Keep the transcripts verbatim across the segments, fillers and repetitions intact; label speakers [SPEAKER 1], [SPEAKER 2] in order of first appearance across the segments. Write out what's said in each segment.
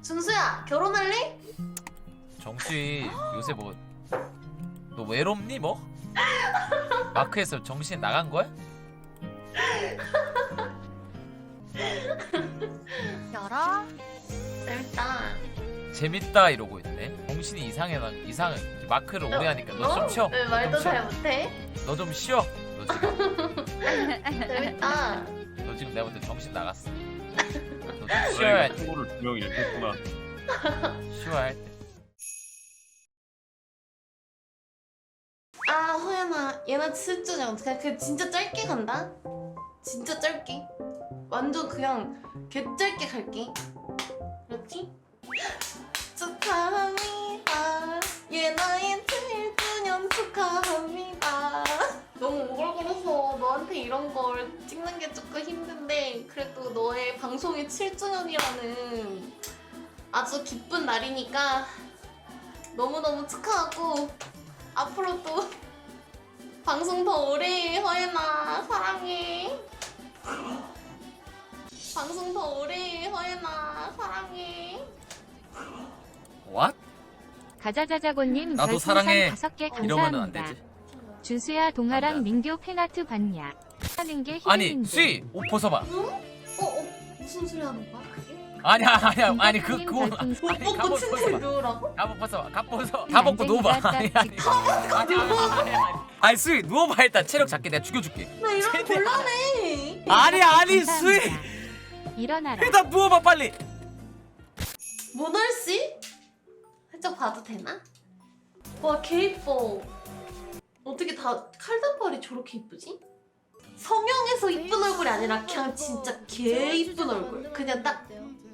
[SPEAKER 1] 준수야 결혼할래?
[SPEAKER 2] 정수희 요새 뭐 너 외롭니 뭐? 마크에서 정신 나간 거야?
[SPEAKER 3] 열어?
[SPEAKER 1] 재밌다.
[SPEAKER 2] 재밌다 이러고 있네. 정신이 이상해. 난 이상해. 마크를 오래 하니까 너 좀 쉬어.
[SPEAKER 1] 왜 말도 잘 못해?
[SPEAKER 2] 너 좀 쉬어. 너 지금
[SPEAKER 1] 재밌다.
[SPEAKER 2] 너 지금 내가 볼 때 정신 나갔어. 너 좀 쉬어야 할 때.
[SPEAKER 4] 친구를 두 명 이렇게 했구나.
[SPEAKER 2] 쉬어야 할 때.
[SPEAKER 1] 아 호연아 얘나 칠주년 어떡해. 그 진짜 짧게 간다. 진짜 짧게. 완전 그냥 개 짧게 갈게. 그렇지? 축하합니다. 예나의 칠주년 축하합니다. 너무 오글거려서 너한테 이런 걸 찍는 게 조금 힘든데 그래도 너의 방송이 칠주년이라는 아주 기쁜 날이니까 너무너무 축하하고 앞으로 또 방송 더 오래 해 허연아 사랑해. 방송 더 오래 해 허연아 사랑해.
[SPEAKER 2] What?
[SPEAKER 5] 가자자자고님
[SPEAKER 2] 나도
[SPEAKER 5] 별풍선
[SPEAKER 2] 사랑해.
[SPEAKER 5] 다섯 개
[SPEAKER 2] 이러면은 안
[SPEAKER 5] 감사합니다.
[SPEAKER 2] 되지.
[SPEAKER 5] 준수야 동아랑
[SPEAKER 2] 안 돼.
[SPEAKER 5] 민규 팬아트 봤냐? 하는 게
[SPEAKER 2] 아니
[SPEAKER 5] 힘든데.
[SPEAKER 2] 수희 옷 벗어봐.
[SPEAKER 1] 응? 어? 어? 무슨 소리 하는 거야 그게?
[SPEAKER 2] 아니야 아니야 아니 그
[SPEAKER 5] 김박사님
[SPEAKER 2] 그거
[SPEAKER 5] 별풍선
[SPEAKER 2] 아니,
[SPEAKER 1] 옷 벗고
[SPEAKER 2] 갑옷
[SPEAKER 1] 층층
[SPEAKER 2] 벗어봐.
[SPEAKER 1] 누우라고?
[SPEAKER 2] 갑옷 벗어봐. 갑옷 벗어. 다 벗고 누워봐. 아니 아니.
[SPEAKER 5] 다
[SPEAKER 2] 아니 아니 아니. 아니 수희 누워봐 일단. 체력 작게 내가 죽여줄게.
[SPEAKER 1] 나 이러면
[SPEAKER 2] 최대한.
[SPEAKER 1] 곤란해.
[SPEAKER 2] 아니 아니
[SPEAKER 5] 감사합니다.
[SPEAKER 2] 수희
[SPEAKER 5] 일어나라.
[SPEAKER 2] 일단 누워봐 빨리.
[SPEAKER 1] 모널씨? 살짝 봐도 되나? 와 개 이뻐. 어떻게 다 칼단발이 저렇게 이쁘지? 성형해서 이쁜 얼굴이 아니라 그냥 진짜 개 이쁜 얼굴. 그냥 딱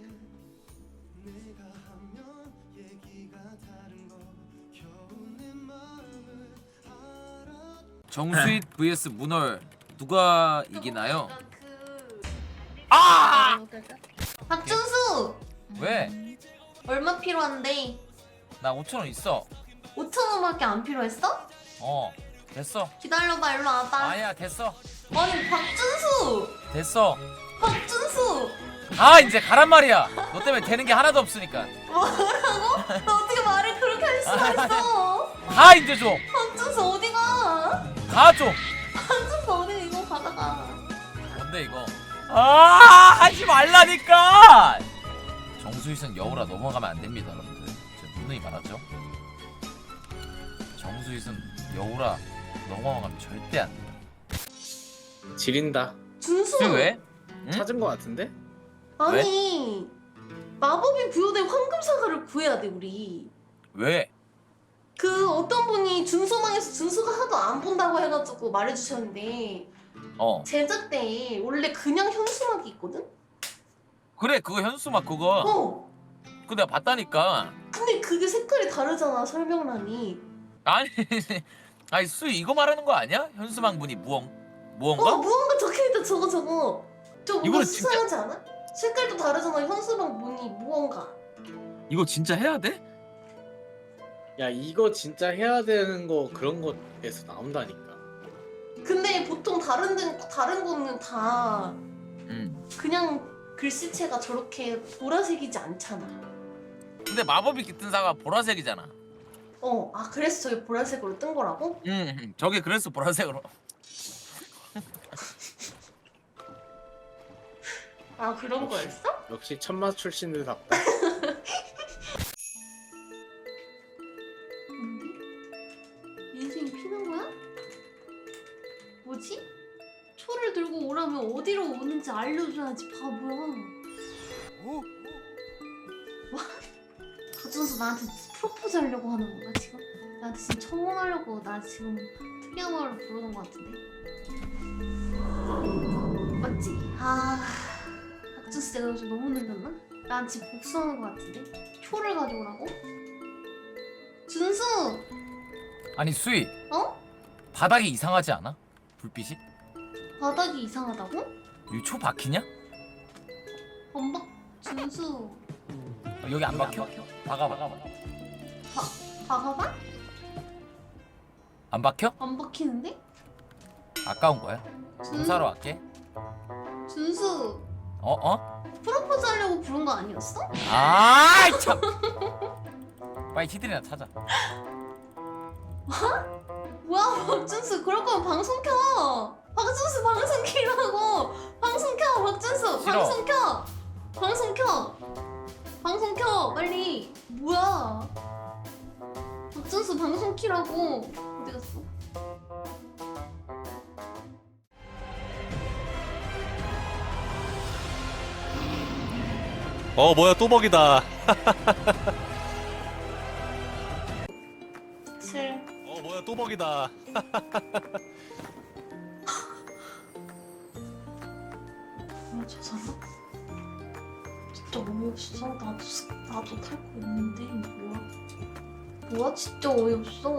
[SPEAKER 2] 정수희 vs 문얼 누가 이기나요?
[SPEAKER 1] 그...
[SPEAKER 2] 아!
[SPEAKER 1] 박준수!
[SPEAKER 2] 왜?
[SPEAKER 1] 얼마 필요한데?
[SPEAKER 2] 나 오천 원 있어.
[SPEAKER 1] 오천 원밖에 안 필요했어?
[SPEAKER 2] 어 됐어.
[SPEAKER 1] 기다려봐 일로 와봐.
[SPEAKER 2] 아니야 됐어.
[SPEAKER 1] 아니 박준수!
[SPEAKER 2] 됐어.
[SPEAKER 1] 박준수!
[SPEAKER 2] 가 이제 가란 말이야. 너 때문에 되는 게 하나도 없으니까.
[SPEAKER 1] 뭐라고? 너 어떻게 말을 그렇게 할 수가 있어?
[SPEAKER 2] 가 이제 좀.
[SPEAKER 1] 박준수 어디가?
[SPEAKER 2] 가 좀.
[SPEAKER 1] 박준수 어디 이거 가다가
[SPEAKER 2] 뭔데 이거? 아 하지 말라니까. 정수희선 여우라 넘어가면 안 됩니다, 여러분들. 제가 누누이 말하죠. 정수희선 여우라 넘어가면 절대 안 돼.
[SPEAKER 4] 지린다.
[SPEAKER 1] 준수!
[SPEAKER 2] 수희 왜? 응?
[SPEAKER 4] 찾은 거 같은데?
[SPEAKER 1] 아니 마법이 부여된 황금사과를 구해야 돼 우리.
[SPEAKER 2] 왜?
[SPEAKER 1] 그 어떤 분이 준수망에서 준수가 하도 안 본다고 해가지고 말해주셨는데
[SPEAKER 2] 어
[SPEAKER 1] 제작 때 원래 그냥 현수막이 있거든?
[SPEAKER 2] 그래 그거 현수막 그거.
[SPEAKER 1] 어!
[SPEAKER 2] 그거 내가 봤다니까.
[SPEAKER 1] 근데 그게 색깔이 다르잖아 설명란이.
[SPEAKER 2] 아니 아니 수희 이거 말하는 거 아니야? 현수막 문이 무언 무언가?
[SPEAKER 1] 어 무언가 적혀있다 저거 저거. 저 뭔가
[SPEAKER 2] 이거는 진짜-
[SPEAKER 1] 수상하지 않아? 색깔도 다르잖아 현수막 문이 무언가.
[SPEAKER 2] 이거 진짜 해야 돼?
[SPEAKER 4] 야 이거 진짜 해야 되는 거 그런 거에서 나온다니까.
[SPEAKER 1] 근데 보통 다른 데 다른 거는 다
[SPEAKER 2] 응.
[SPEAKER 1] 그냥 글씨체가 저렇게 보라색이지 않잖아.
[SPEAKER 2] 근데 마법이 깃든 사과 보라색이잖아.
[SPEAKER 1] 어, 아 그래서 저게 보라색으로 뜬 거라고?
[SPEAKER 2] 응, 응. 저게 그래서 보라색으로.
[SPEAKER 1] 아 그런
[SPEAKER 4] 역시.
[SPEAKER 1] 거였어?
[SPEAKER 4] 역시 천마 출신들답다.
[SPEAKER 1] 뭔데? 인생이 피는 거야? 뭐지? 초를 들고 오라면 어디로 오는지 알려줘야지 바보야. 와, 박준수 나한테 프로포즈 하려고 하는 건가 지금? 나한테 지금 청혼하려고 나 지금 특이한 말로 부르는 거 같은데? 맞지? 아, 박준수 내가 요즘 너무 늘렸나? 난 지금 복수하는 거 같은데? 초를 가져오라고? 준수!
[SPEAKER 2] 아니 수희
[SPEAKER 1] 어?
[SPEAKER 2] 바닥이 이상하지 않아? 불빛이?
[SPEAKER 1] 바닥이 이상하다고?
[SPEAKER 2] 여기 초 박히냐?
[SPEAKER 1] 안 박... 준수
[SPEAKER 2] 어, 여기 안 박혀? 박아 박아 박아.
[SPEAKER 1] 박아봐?
[SPEAKER 2] 안 박혀?
[SPEAKER 1] 안 박히는데?
[SPEAKER 2] 아까운 거야.
[SPEAKER 1] 준...
[SPEAKER 2] 공사로 할게.
[SPEAKER 1] 준수
[SPEAKER 2] 어 어?
[SPEAKER 1] 프로포즈 하려고 부른 거 아니었어?
[SPEAKER 2] 아 참. 빨리 티들이나 타자.
[SPEAKER 1] 뭐야 박준수 그럴 거면 방송 켜. 박준수 방송 키라고. 방송 켜 박준수.
[SPEAKER 2] 싫어.
[SPEAKER 1] 방송 켜. 방송 켜. 방송 켜 빨리. 뭐야? 박준수 방송 키라고. 어디 갔어?
[SPEAKER 3] 어 뭐야 또 먹이다.
[SPEAKER 1] 칠.
[SPEAKER 3] 어 뭐야 또 먹이다.
[SPEAKER 1] 뭐야 저 사람? 진짜 어이없어. 나도 스- 나도 탈 거 있는데 뭐야? 뭐야 진짜 어이없어.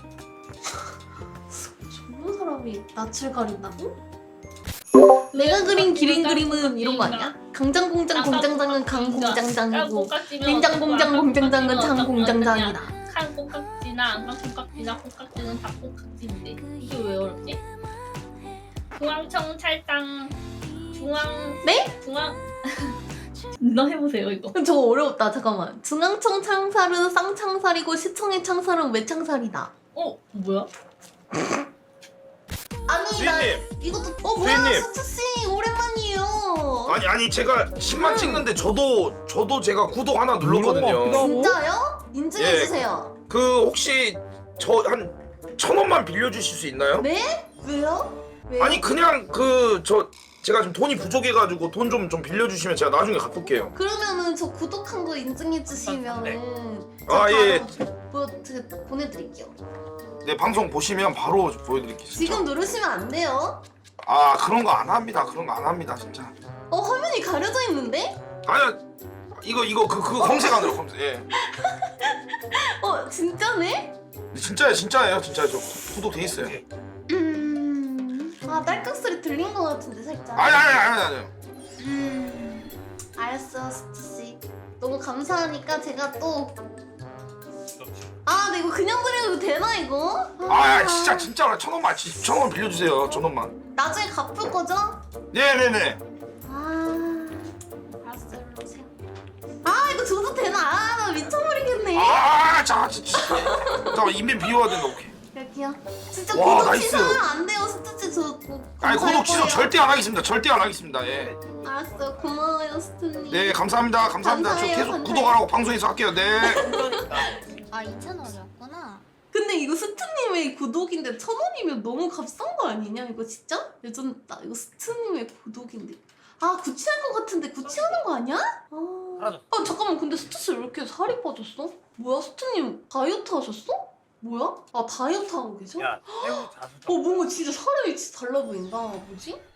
[SPEAKER 1] 좋은 사람이 낯을 가린다고? 내가 그린 기린 그림은 이런 거 아니야? 강장공장 공장장은 강공장장이고 냉장공장 공장장은 장공장장이다.
[SPEAKER 6] 칸 콩깍지나 안강 콩깍지나 콩깍지는 다 콩깍지인데 이게 왜 어렵지? 중앙청찰당 중앙
[SPEAKER 1] 네?
[SPEAKER 6] 중앙 너 해보세요 이거.
[SPEAKER 1] 저 어려웠다. 잠깐만. 중앙청 창살은 쌍창살이고 시청의 창살은 외창살이다.
[SPEAKER 6] 어 뭐야?
[SPEAKER 1] 아니 나
[SPEAKER 7] 주인님!
[SPEAKER 1] 이것도 어 뭐야
[SPEAKER 7] 주인님!
[SPEAKER 1] 수트씨 오랜만이에요.
[SPEAKER 7] 아니 아니 제가 십만 찍는데 저도 저도 제가 구독 하나 눌렀거든요.
[SPEAKER 1] 진짜요? 인증해주세요.
[SPEAKER 7] 그 혹시 저 한 천 원만 빌려주실 수 있나요?
[SPEAKER 1] 네? 왜요? 왜요?
[SPEAKER 7] 아니 그냥 그 저 제가 지금 돈이 부족해가지고 돈 좀 좀 빌려주시면 제가 나중에 갚을게요.
[SPEAKER 1] 그러면은 저 구독한 거 인증해주시면은
[SPEAKER 7] 아,
[SPEAKER 1] 저
[SPEAKER 7] 예,
[SPEAKER 1] 바로 보, 저 보내드릴게요.
[SPEAKER 7] 네 방송 보시면 바로 보여드릴게요. 진짜.
[SPEAKER 1] 지금 누르시면 안 돼요.
[SPEAKER 7] 아 그런 거 안 합니다. 그런 거 안 합니다 진짜.
[SPEAKER 1] 어 화면이 가려져 있는데?
[SPEAKER 7] 아니야 이거 이거 그 그거 검색하느라 검색. 예.
[SPEAKER 1] 어 진짜네?
[SPEAKER 7] 진짜예요 진짜예요 진짜 저 구독돼 있어요.
[SPEAKER 1] 음... 아 딸깍 소리 들린 거 같은데 살짝.
[SPEAKER 7] 아니 아니 아니 아니.
[SPEAKER 1] 음... 알았어 스티씨. 너무 감사하니까 제가 또 아, 근데 이거 그냥 드려도 되나 이거?
[SPEAKER 7] 아 진짜 진짜 천 원만 천 원 빌려주세요 천 원만.
[SPEAKER 1] 나중에 갚을 거죠?
[SPEAKER 7] 네네네.
[SPEAKER 1] 아, 알았어, 일로 오세요. 아, 이거 줘도 되나? 아, 나 미쳐버리겠네.
[SPEAKER 7] 아, 자, 진짜. 잠깐 인벤 비워야 된다. 오케이.
[SPEAKER 1] 여기요. 진짜
[SPEAKER 7] 와,
[SPEAKER 1] 구독
[SPEAKER 7] 나이스.
[SPEAKER 1] 취소하면 안 돼요, 스트치. 저 뭐,
[SPEAKER 7] 아니
[SPEAKER 1] 감사할
[SPEAKER 7] 구독 취소
[SPEAKER 1] 거예요.
[SPEAKER 7] 절대 안 하겠습니다. 절대 안 하겠습니다. 예.
[SPEAKER 1] 알았어요, 고마워요, 스트님.
[SPEAKER 7] 네, 감사합니다. 감사합니다.
[SPEAKER 1] 감사해요,
[SPEAKER 7] 저 계속
[SPEAKER 1] 감사해요.
[SPEAKER 7] 구독하라고 방송에서 할게요. 네.
[SPEAKER 8] 아 이천 원이었구나.
[SPEAKER 1] 근데 이거 스트님의 구독인데 천 원이면 너무 값싼 거 아니냐? 이거 진짜? 레전드다. 이거 스트님의 구독인데. 아, 구치할 것 같은데 구치하는 거 아니야? 아, 아 잠깐만. 근데 스트씨 왜 이렇게 살이 빠졌어? 뭐야, 스트님 다이어트 하셨어? 뭐야? 아, 다이어트 하고 계셔?
[SPEAKER 9] 야, 새우 자수
[SPEAKER 1] 어, 뭔가 진짜 사람이 진짜 달라 보인다. 뭐지?